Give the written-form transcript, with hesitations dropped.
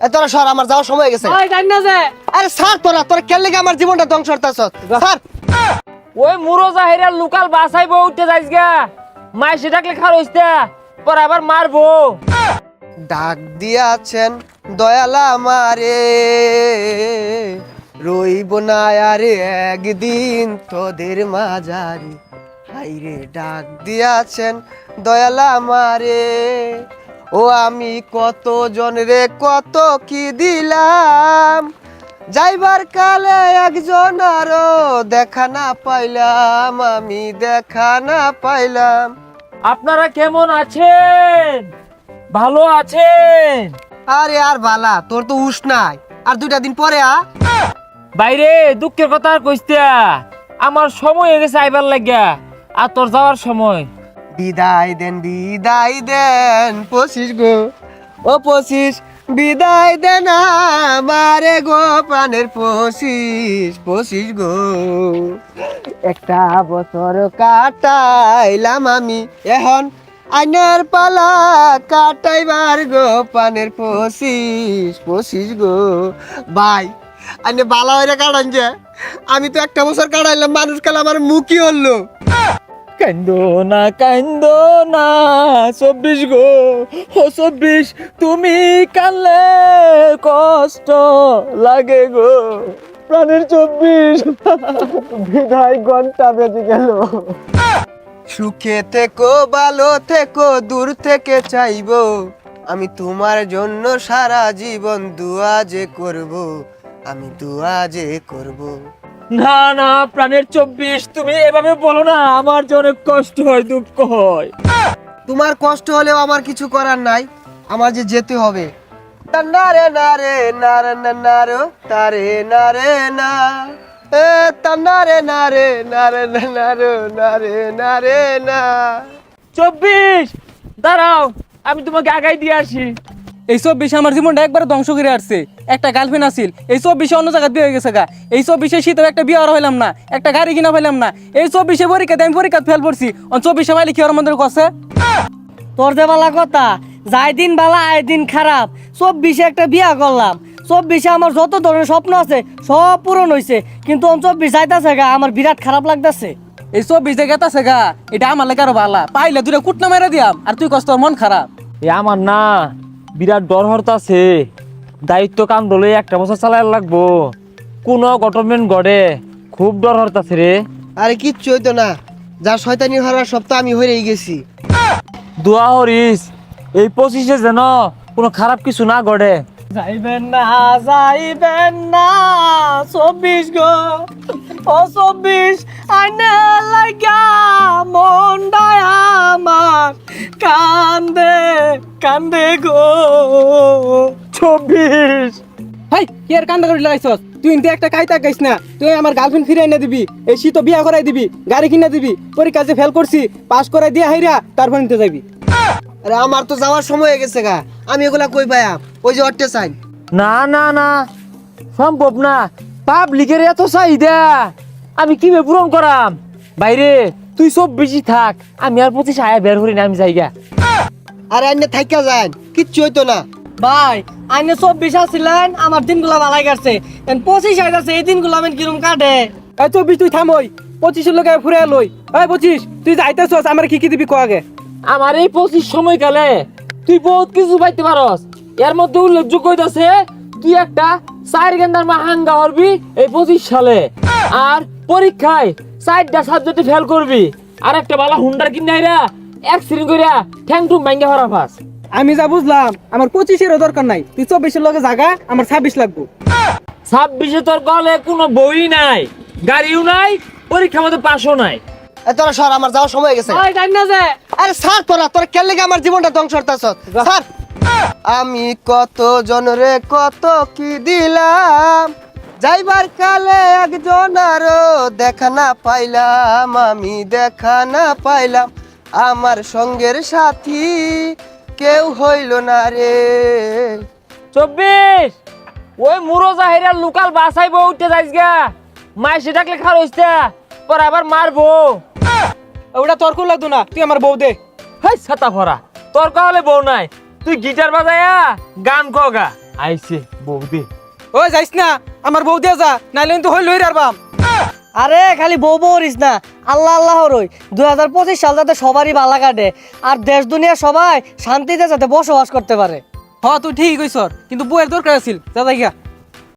তোরা সর, আমার যাওয়ার সময় হয়ে গেছে। ওই জান না যে আরে স্যার, তোরা কেন লেগে আমার জীবনটা ধ্বংস করতেছস? স্যার, ওই মুরো জাহিরা লোকাল বাসাইবো উঠতে যাইস গা, মাই সেটাকে খার হইছে পর আবার মারবো। ডাক দিয়াছেন দয়াল আমারে, রইব না আরে একদিন তোদের মাঝারে। হাইরে ডাক দিয়াছেন দয়াল আমারে, ও আমি কত জনরে কত কি দিলাম, যাইবার কালে একজন আরো দেখা না পাইলাম, আমি দেখা না পাইলাম। আপনারা কেমন আছেন? ভালো আছেন? আরে আর বালা, তোর তো হুশ নাই, আর 2টা দিন পরে বাইরে দুঃখের কথা আর কইস্তা, আমার সময় হয়ে গেছে আইবার লাগিয়া, আর তোর যাওয়ার সময়। বিদায় দেন 25 গো, ও 25 বিদায় দেন আমারে গো, প্রাণের 25 গো। একটা বছর কাটাইলাম আমি, এখন আইনের পালা কাটাইবার গো, প্রাণের 25 গো। ভাই আইনে বালা হইরে কাটান যে, আমি তো একটা বছর কাটাইলাম, মানুষ কাল আমার মুখই হলো। কান্দো না 24 গো, ও 24 তুমি কানলে কষ্ট লাগে গো, প্রাণের 24 বিদায় ঘন্টা বেজে গেল। সুখে থেকো ভালো থেকো, দূর থেকে চাইবো আমি তোমার জন্য সারা জীবন দুয়া যে করব, আমি দুয়া যে করব। না না প্রাণের 24 তুমি এভাবে বলো না, আমার যে অনেক কষ্ট হয়, দুঃখ হয়। তোমার কষ্ট হলেও আমার কিছু করার নাই, আমার যে যেতে হবে। নারে নারে নারে নারে তারে নারে না, এ তারে নারে নারে নারে নারে নারে না। 24 দাঁড়াও, আমি তোমাকে আগাই দিয়ে আসি। এই 24 আমার জীবনটা একবার ধ্বংস করে আসছে। একটা গার্লফ্রেন্ড আছিল, এই 24 অন্য জায়গায় বিয়ে হয়ে গেছে গা। এই 24 শীতে একটা বিয়ে আর হইলাম না, একটা গাড়ি কিনা পাইলাম না। এই 24 পরীক্ষাতে আমি পরীক্ষা ফেল পড়ছি, 24 পাইলে কি ওর মধ্যে কছে তোর যে বালা কথা, যাই দিন বালা আয় দিন খারাপ। 24 একটা বিয়া করলাম, 24 আমার যত ধরনের স্বপ্ন আছে সব পূরণ হয়েছে, কিন্তু 24 যাইতাছে গা, আমার বিরাট খারাপ লাগতেছে। এই 24 যে গেতাছে গা, এটা আমার লেগে আরো ভালা, পাইলে দুটা কুটনা মেরে দিয়াম, আর তুই কষ্ট মন খারাপ। এ আমার না বিরাট ডর হরতাছে, দায়িত্ব কাম দলে একটা বছর চালাই লাগবো, কোন গভর্নমেন্ট গড়ে, খুব ডর হরতাছে রে। আরে কিচ্ছু হইতো না, যা শয়তানি হওয়ার সব তো আমি হয়েই গেছি। দোয়া হরিস এই 25 যেন কোনো খারাপ কিছু না গড়ে। যাইবেন না 24 গো, ও 24 আইনা লাগা মনটা আমার কান্দে কান্দে গো। 24 হাই কি আর কান্দা করে লাগাইছস? তুই ইনতে একটা কাইতা গাইস না, তুই আমার গার্লফ্রেন্ড ফিরে এনে দিবি, এই শীত বিয়া করাই দিবি, গাড়ি কিনা দিবি, পরীক্ষা যে ফেল করছি পাস করাই দিয়া হাইরা তারপর নিতে যাবি। আরে আমার তো যাওয়ার সময় হয়ে গেছে গা, আমি এগুলা কই পাইয়াম? ওই যে অট্টে চাই। না না না সম্ভব না, পাবলিকের এত চাহিদা আমি কিভাবে পূরণ করাম? বাইরে তুই 24 থাক, আমি আর 25 আয়া বের করি না, আমি যাইগা। আরে আইনে থাইকা যান, কিচ্ছু হইতো না। ভাই আইনে 24 আসছিলেন, আমার দিনগুলা ভালাই কাটছে, 25 আইতাছে, এই দিনগুলো আমি কিরম কাটে? এই 24 তুই থামই, 25 এর লগে ফুরে লই। এই 25 তুই যাইতাছস, আমার কি কি দিবি কো আগে? আমার এই 25 সময়কালে তুই বহুত কিছু পাইতে পারস, এর মধ্যে উল্লেখযোগ্য হইতাছে তুই একটা 4 গেন্দার মাহাঙ্গা হরবি এই 25 সালে, আর পরীক্ষায় 4টা সাবজেক্টে ফেল করবি, আর একটা বালা হুন্ডার কিনাইরা অ্যাক্সিডেন্ট কইরা ঠ্যাং টুং ভাঙ্গা হরা ফাস। আমি যা বুঝলাম আমার 25 এর দরকার নাই, তুই 24 এর লগে জাগা, আমার 26 লাগবে। 26 তোর গলে কোনো বই নাই, গাড়িও নাই, পরীক্ষা মতো পাসও নাই। তোরা সর, আমার যাওয়ার সময় হয়ে গেছে। ওই জান না যে আরে স্যার, তোরা কেন লেগে আমার জীবনটা ধ্বংস করতেছস? স্যার, আমি কত জনরে কত কি দিলাম, যাইবার কালে একজন আরো দেখা না পাইলাম, আমি দেখা না পাইলাম, আমার সঙ্গের সাথী কেউ হইল না রে। 24 ওই মুরো জাহিরা লোকাল বাসাইবো উঠতে যাইস গা, মাই সেটাকে খার হইছে পর আবার মারবো। ওটা তর্ক লাগতো না, তুই আমার বউ দে। হাই ছাতা ভরা তোর কহলে বউ নাই, তুই গিটার বাজায়া গান কগা। আইছে বৌদি। ওই যাইস না আমার বউ দিয়া যা নাইলে কিন্তু হইল হইর আরবাম। আরে খালি বউ বউ হরিস না, আল্লাহ আল্লাহ রই 2025 সাল যাতে সবারই ভালো কাটে আর দেশ দুনিয়া সবাই শান্তিতে যাতে বসবাস করতে পারে। হ তুই ঠিক কইছর, কিন্তু বউয়ের দরকার আছিল, যা যাই গা।